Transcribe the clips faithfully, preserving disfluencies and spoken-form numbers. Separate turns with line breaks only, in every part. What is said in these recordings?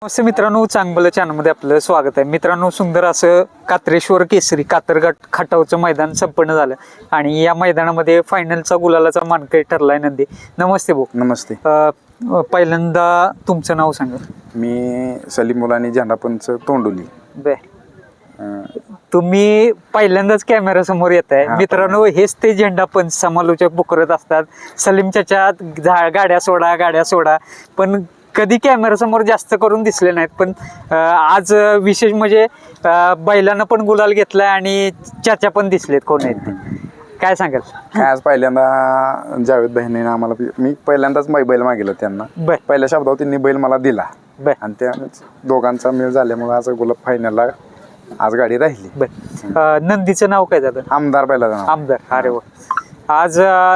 नमस्ते मित्रांनो, चांगलं चॅनलमध्ये आपलं स्वागत आहे. मित्रांनो, सुंदर असं कात्रेश्वर केसरी कातरघाट खटावचं मैदान संपन्न झालं आणि या मैदानामध्ये फायनलचा गुलालाचा मानकरी ठरलाय नंदी. नमस्ते भाऊ.
नमस्ते.
अं, पहिल्यांदा तुमचं नाव सांगा.
मी सलीम मुलानी झेंडापंच तोंडोली.
बर, तुम्ही पहिल्यांदाच कॅमेरा समोर येत आहे. मित्रांनो, हेच ते झेंडापंच समालोचक बुकरत असतात. सलीम चाचा गाड्या सोडा गाड्या सोडा पण कधी कॅमेरा समोर जास्त करून दिसले नाहीत. पण आज विशेष म्हणजे बैलांना पण गुलाल घेतलाय आणि चाचा पण दिसलेत. कोण आहेत ते काय सांगाल?
काय आज पहिल्यांदा जावेद बहिणीने आम्हाला, मी पहिल्यांदाच बैल मागितलं त्यांना. पहिल्या शब्दावर त्यांनी बैल मला दिला आणि त्या दोघांचा मेळ झाल्यामुळे आज गुलाब फायनलला आज गाडी राहिली.
बर, नंदीचं नाव काय झालं?
आमदार बैलाचं नाव
आमदार. अरे वा. आज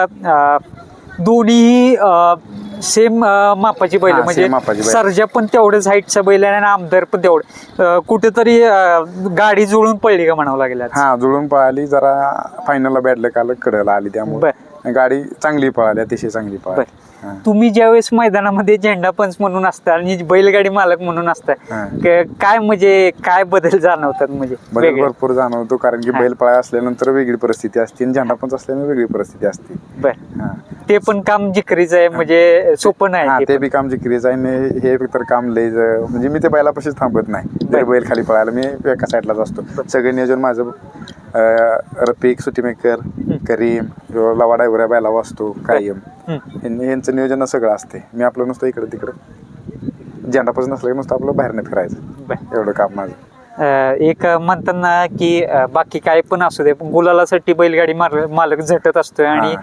दोन्ही सेम मापाची बैल, म्हणजे सर्जा पण तेवढंच हाईटचा बैल आहे आणि आमदार पण तेवढं. कुठेतरी गाडी जुळून पडली का म्हणावं लागेल?
हा, जुळून पळाली. जरा फायनलला बॅटले काल कडेला आली त्यामुळे गाडी चांगली पळाली, अतिशय चांगली पळाली.
तुम्ही ज्यावेळेस मैदानामध्ये झेंडापंच म्हणून असता आणि बैलगाडी मालक म्हणून असता, काय म्हणजे काय बदल जाणवतात? म्हणजे
बदल भरपूर जाणवतो, कारण की बैल पळा असल्यानंतर वेगळी परिस्थिती असते आणि झेंडापंच असल्यानंतर वेगळी परिस्थिती असते.
बर, ते पण काम जिकरीचं आहे, म्हणजे सोपं नाही.
ते बी काम जिकरीचं आहे. हे तर काम लय, म्हणजे मी ते बैलापाशीच थांबत नाही. जर बैल खाली पळायला मी एका साईडलाच असतो. सगळं नियोजन माझं रफिक, सुटीमेकर, करीम, लवा डायव्हर बैलावा असतो कायम. यांचं नियोजन सगळं असते. मी आपलं नुसतं इकडं तिकडं झेंडापासून नसलं की नुसतं आपलं बाहेरनं फिरायचं, एवढं काम माझं.
एक म्हणताना की बाकी काय पण असू दे, पण गुलालासाठी बैलगाडी मालक झटत असतोय आणि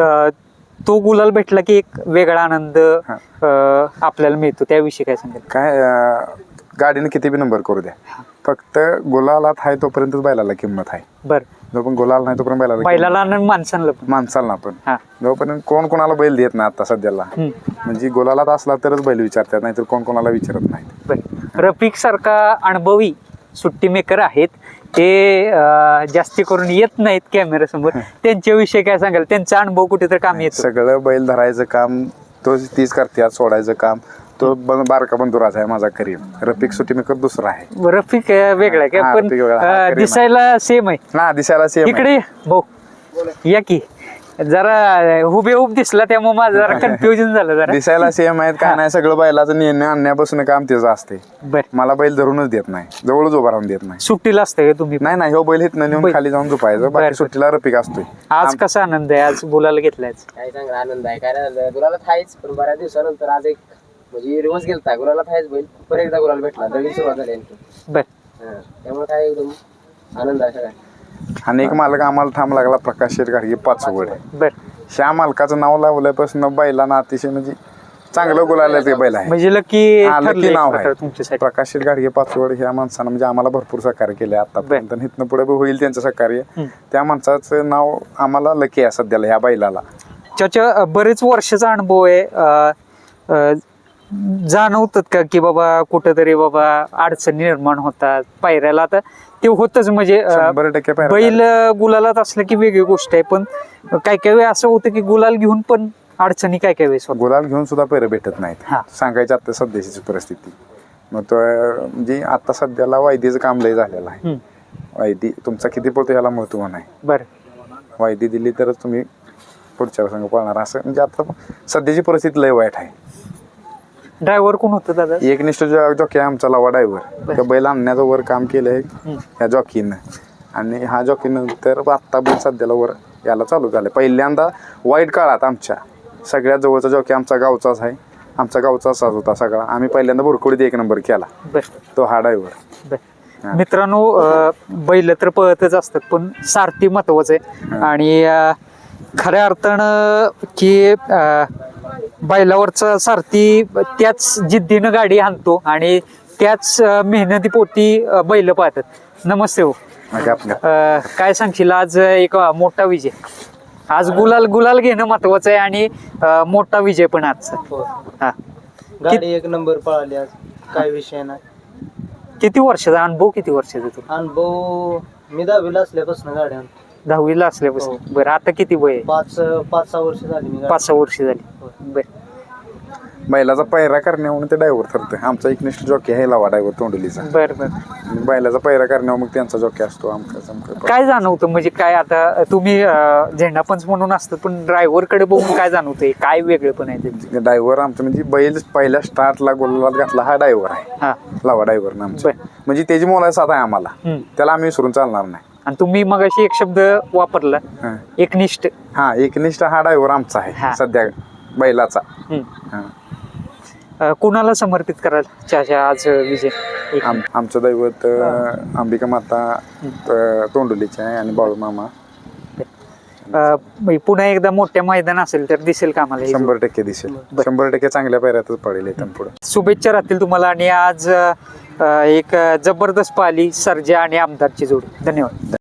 तो गुलाल भेटला की एक वेगळा आनंद आपल्याला मिळतो. त्याविषयी काय सांगेल?
काय गाडीने किती बी नंबर करू द्या, फक्त गुलालात आहे तोपर्यंतच बैलाला किंमत आहे.
बरं,
जो पण गुलाल नाही तोपर्यंत बैलाला
बैलाला आणि माणसाला पण
माणसाला पण जोपर्यंत कोण कोणाला बैल देत नाही आता सध्याला. म्हणजे गुलालात असला तरच बैल विचारतात, नाहीतर कोण कोणाला विचारत नाही.
रफिक सारखा अनुभवी सुट्टी मेकर आहेत, ते जास्ती करून येत नाहीत कॅमेरा समोर. त्यांच्याविषयी काय सांगाल? त्यांचा अनुभव कुठेतरी काम येतो.
सगळं बैल धरायचं काम तो तीच करते, सोडायचं काम तो बारका बंधुराचा आहे माझा करीम. रफिक सुट्टी मेकर दुसरा आहे.
रफिक वेगळा आहे का? पण दिसायला सेम आहे.
हा, दिसायला सेम.
इकडे भाऊ या की, जरा हुबेहूब दिसला त्यामुळे माझं जरा कन्फ्युजन झालं. जरा
दिसायला सेम आहेत काय नाही, सगळं बैलाचं निर्णय आणण्यापासून काम त्याचं असते. मला बैल धरूनच देत नाही, जवळच उभा राहून देत नाही.
सुट्टीला असतंय का तुम्ही?
नाही नाही, हो बैल इथनं नेऊन खाली जाऊन झोपायचं, बाकी सुट्टीला रफिक असतोय.
आज कसा आनंद आहे? आज गुलाल घेतलाय.
काय चांगला आनंद आहे. काय गुलाला थायच, पण बऱ्याच दिवसानंतर आज एक म्हणजे रिवर्स गेलता गुलाला थायच बैल, परत एकदा गुलाल भेटला, नवीन सुरुवात झाली.
बर,
त्यामुळे काय एकदम आनंद आहे सगळ्या.
आणि एक मालक आम्हाला थांब लागला, प्रकाश शेठ घाडगे पाचवड.
बर,
ह्या मालकाचं नाव लावल्यापासून बैलांना अतिशय म्हणजे चांगलं गुलाल ते बैल आहे.
म्हणजे लकी
लकी नाव आहे प्रकाश शेठ घाडगे पाचवड. ह्या माणसानं म्हणजे आम्हाला भरपूर सहकार्य केले आतापर्यंत, इथनं पुढे होईल त्यांचं सहकार्य. त्या माणसाचं नाव आम्हाला लकी आहे सध्याला ह्या बैलाला.
त्याच्या बरेच वर्षाचा अनुभव आहे. जाणवतात का की बाबा कुठेतरी बाबा अडचणी निर्माण होतात पायऱ्याला? आता ते होतच, म्हणजे
शंभर टक्के
बैल गुलालात असलं की वेगळी गोष्ट आहे, पण काय काय वेळ असं होतं की गुलाल घेऊन पण अडचणी काय काय वेळेस होतात.
गुलाल घेऊन सुद्धा पैर भेटत नाहीत सांगायची आता सध्याची परिस्थिती. मग तो म्हणजे आता सध्याला वायदीचं काम लय झालेलं आहे. वायदी तुमचा किती पळतो ह्याला महत्व नाही.
बरं,
वायदी दिली तरच तुम्ही पुढच्या संघ पळणार, असं म्हणजे आता सध्याची परिस्थिती लय वाईट आहे.
ड्रायव्हर कोण होतं दादा?
एक निष्ठ जॉकी आहे लवा ड्रायव्हर. त्या बैल आणण्याचं वर काम केलंय ह्या जॉकीनं, आणि हा जॉकी नंतर आत्ता बैल सध्याला वर याला चालू झालं. पहिल्यांदा वाईट काळात आमच्या सगळ्यात जवळचा जॉकी आमचा गावचाच आहे, आमचा गावचाच होता सगळा. आम्ही पहिल्यांदा भुरकुडीत एक नंबर केला, तो हा ड्रायव्हर.
मित्रांनो, बैल तर पळतच असतात, पण सारथी महत्वाचं आहे. आणि खऱ्या अर्थानं की बैलावरचा सारथी त्याच जिद्दीनं गाडी आणतो आणि त्याच मेहनतीपोटी बैल पाहतात. नमस्ते हो. काय सांगशील? आज एक मोठा विजय, आज गुलाल गुलाल घेणं महत्वाचं आहे आणि मोठा विजय पण आजचा. हा,
गाडी एक नंबर पळाली आज, काय विषय नाही.
किती वर्षाचा अनुभव? किती वर्षाचा तू
अनुभव? मी दहावीला असल्यापासून गाडी आणतो.
दहावीला असल्यापासून. बरं, आता किती वय?
पाच पाच सहा वर्ष झाली.
पाच सहा वर्ष झाली. बरं,
बैलाचा पायरा करण्यावरून ते ड्रायव्हर ठरतं. आमचा एकनिष्ठ जॉकी आहे लावा ड्रायव्हर तोंडलीचा.
बर बर.
बैलाचा पायरा करण्यावर मग त्यांचा जॉकी असतो आमका समका.
काय जाणवतं म्हणजे काय आता तुम्ही अं, झेंडापंच म्हणून असतात पण ड्रायव्हर कडे बघून काय जाणवतंय, काय वेगळं पण आहे त्यांचं?
ड्रायव्हर आमचा म्हणजे बैल पहिल्या स्टार्टला गोलात घातला हा ड्रायव्हर आहे,
हा.
लावा ड्रायव्हर ना आमचा.
बर.
म्हणजे त्याची मोलाचा साथ आहे आम्हाला,
हम्म.
त्याला आम्ही विसरून चालणार नाही.
आणि तुम्ही मग अशी एक शब्द वापरला
हा.
एकनिष्ठ.
हा एकनिष्ठ हा ड्रायव्हर आमचा
हा.
आहे सध्या बैलाचा.
हम्म.
हा.
अं, कुणाला समर्पित कराल चाचा आज विजय? एक
आम आमचं दैवत अं, अंबिका माता अं, तोंडलीचे आहे आणि बाळू मामा.
अं, म्हणजे पुन्हा एकदा मोठ्या मैदान असेल तर दिसेल का आम्हाला हे
शंभर टक्के दिसेल,
बर.
शंभर टक्के चांगल्या पायऱ्यातच पडेल इथून पुढे.
शुभेच्छा राहतील तुम्हाला. आणि आज अं, एक जबरदस्त पाली सर्जा आणि आमदारची जोडी. धन्यवाद.